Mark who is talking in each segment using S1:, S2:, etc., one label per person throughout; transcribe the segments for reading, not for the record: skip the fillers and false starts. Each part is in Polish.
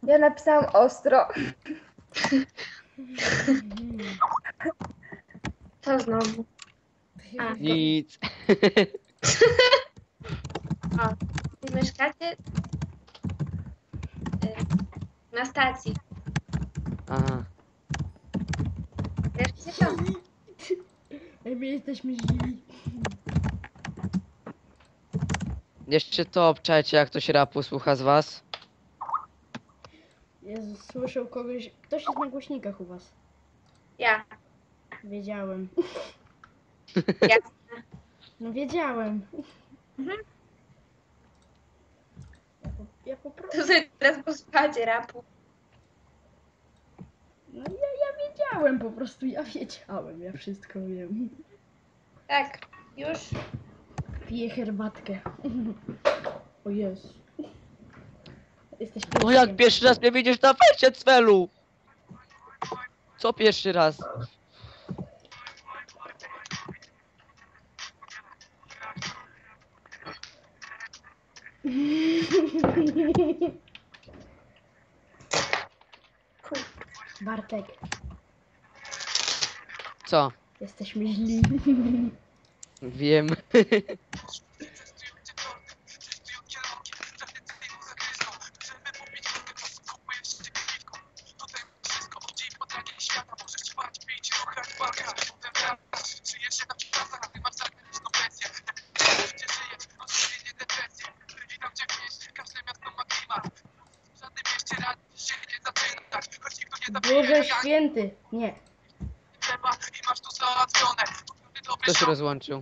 S1: Ja napisałam ostro.
S2: Co znowu? A,
S3: Nic.
S2: o, wy mieszkacie na stacji.
S3: Aha.
S2: Wiesz gdzie to?
S4: My jesteśmy źli.
S3: Jeszcze to obczajcie, jak ktoś rapu słucha z was.
S4: Jezus, słyszę kogoś. Ktoś jest na głośnikach u was.
S2: Ja.
S4: Wiedziałem.
S2: Ja.
S4: No wiedziałem.
S2: Mhm.
S4: Ja po prostu.
S2: To sobie teraz posłuchajcie rapu.
S4: No ja wiedziałem po prostu, ja wiedziałem, ja wszystko wiem.
S2: Tak, już.
S4: Piję herbatkę. O Jezu. Jesteś
S3: No jak
S4: pieskiem.
S3: pierwszy raz mnie widzisz na fejsie, Cwelu? Co pierwszy raz?
S4: Bartek,
S3: Co?
S4: jesteśmy źli.
S3: Wiem.
S4: Boże święty. Nie.
S3: Kto się rozłączył?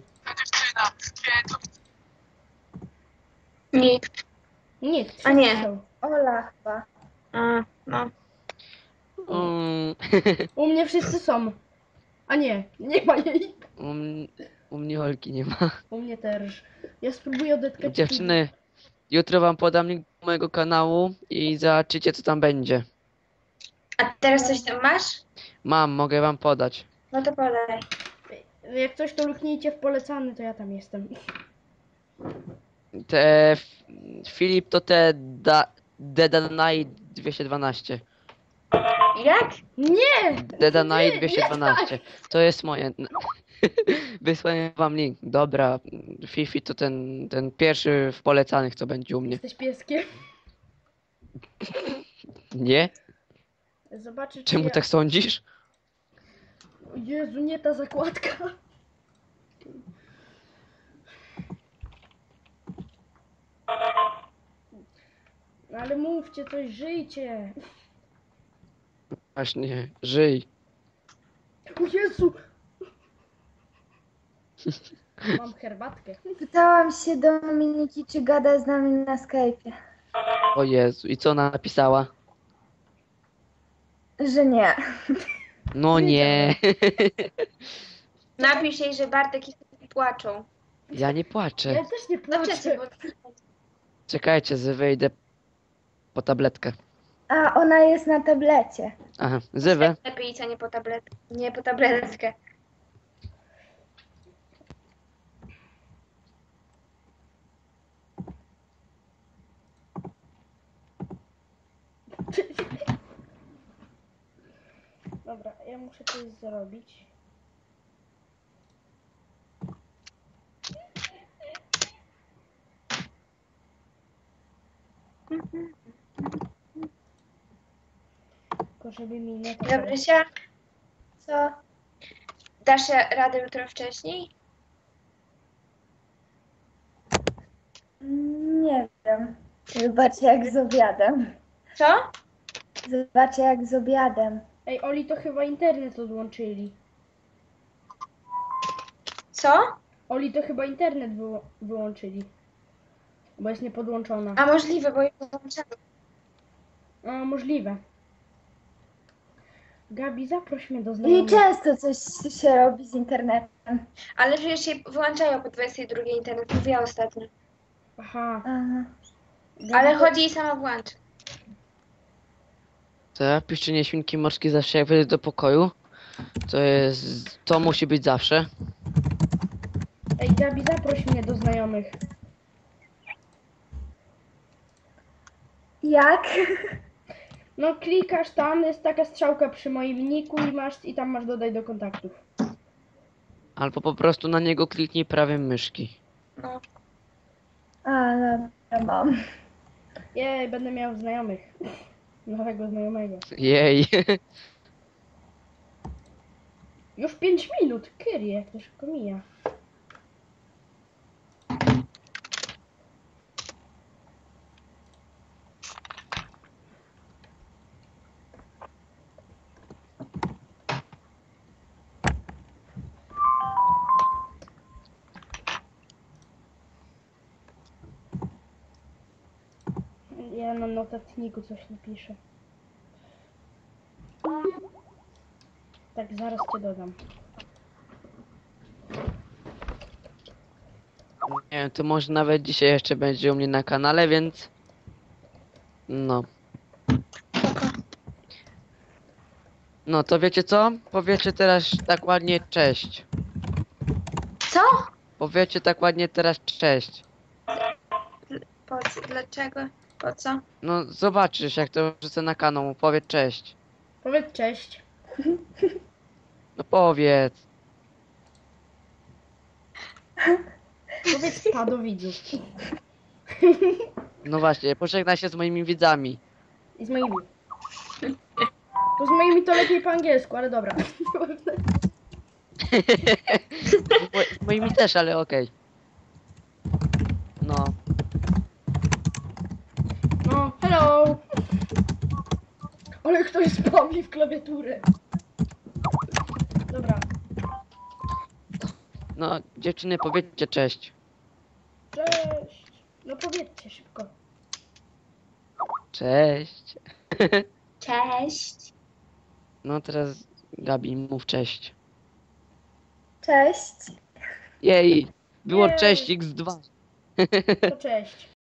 S2: Nikt.
S4: Nikt.
S2: A nie.
S4: wszyscy są.
S1: Ola chyba.
S2: A, no.
S3: Um,
S4: U mnie wszyscy są. A nie, nie ma jej.
S3: u mnie Olki nie ma.
S4: U mnie też. Ja spróbuję odetkać.
S3: Dziewczyny, jutro wam podam link do mojego kanału i zobaczycie, co tam będzie.
S2: A teraz coś tam masz?
S3: Mam, mogę wam podać.
S2: No to podaj.
S4: Jak coś to luknijcie w polecany, to ja tam jestem.
S3: Te Filip to te Dead Night 212.
S2: Jak?
S4: Nie!
S3: Dead Night
S4: Nie,
S3: 212. To jest moje. Wysłałem wam link. Dobra, Fifi to ten pierwszy w polecanych, co będzie u mnie.
S4: Jesteś pieskiem.
S3: Nie?
S4: Zobaczysz.
S3: Czemu tak sądzisz?
S4: O Jezu, nie ta zakładka. No ale mówcie coś, żyjcie.
S3: Właśnie, żyj.
S4: O Jezu! Mam herbatkę.
S1: Pytałam się Dominiki, czy gada z nami na Skype'ie.
S3: O Jezu, i co ona napisała?
S1: Że nie.
S3: No nie.
S2: Napisz jej, że Bartek i Filip płaczą.
S3: Ja nie
S4: Ja
S3: płaczę.
S4: też nie
S2: No przecież,
S4: płaczę.
S2: bo
S3: Czekajcie, wyjdę po tabletkę.
S1: A ona jest na tablecie.
S3: Aha, zywę.
S2: lepiej idź, a nie po tabletkę. Nie po tabletkę.
S4: Dobra, ja muszę coś zrobić. Tylko żeby mi nie to...
S2: Gabrysia,
S1: Co?
S2: dasz radę jutro wcześniej?
S1: Nie wiem. Zobaczę jak z obiadem.
S2: Co?
S1: Zobaczę jak z obiadem.
S4: Ej, Oli, to chyba internet odłączyli.
S2: Co?
S4: Oli, to chyba internet wyłączyli. Bo jest niepodłączona.
S2: A możliwe, bo ja włączam.
S4: A, możliwe. Gabi, zaproś mnie do
S1: I
S4: znajomych.
S1: często coś się robi z internetem.
S2: Ale przecież się wyłączają po 22 internet, mówiła ostatnio.
S4: Aha.
S1: Aha.
S4: Gabi,
S2: Ale
S4: to-
S2: chodzi i sama włącza.
S3: To piszczenie świnki morskie zawsze jak wejdę do pokoju. To musi być zawsze.
S4: Ej, Gabi, zaproś mnie do znajomych.
S1: Jak?
S4: No klikasz tam, jest taka strzałka przy moim niku i tam masz dodaj do kontaktów.
S3: Albo po prostu na niego kliknij prawym myszki.
S2: No.
S1: A, dobra, mam.
S4: Jej, będę miał znajomych. Nowego znajomego.
S3: Jej.
S4: Już 5 minut, kyrie, jak to szybko mija. Ja na notatniku coś napiszę. Tak, zaraz cię dodam.
S3: Nie wiem, to może nawet dzisiaj jeszcze będzie u mnie na kanale, więc... No.
S2: Spoko.
S3: No to wiecie co? Powiecie teraz tak ładnie cześć.
S2: Co?
S3: Powiecie tak ładnie teraz cześć.
S2: Po co? Dlaczego? Po co?
S3: No zobaczysz jak to wrzucę na kanał, powiedz cześć.
S4: Powiedz cześć.
S3: No powiedz.
S4: Powiedz pa do widzów.
S3: No właśnie, pożegnaj się z moimi widzami.
S4: I z moimi. To z moimi to lepiej po angielsku, ale dobra.
S3: Z moimi też, ale okej. No.
S4: No, hello! Ale ktoś spami w klawiaturę. Dobra,
S3: No, dziewczyny, powiedzcie cześć.
S4: cześć. No powiedzcie szybko.
S3: Cześć.
S2: Cześć.
S3: No teraz Gabi, mów cześć.
S1: Cześć.
S3: Jej, było
S4: Jej.
S3: cześć x2.
S4: To cześć.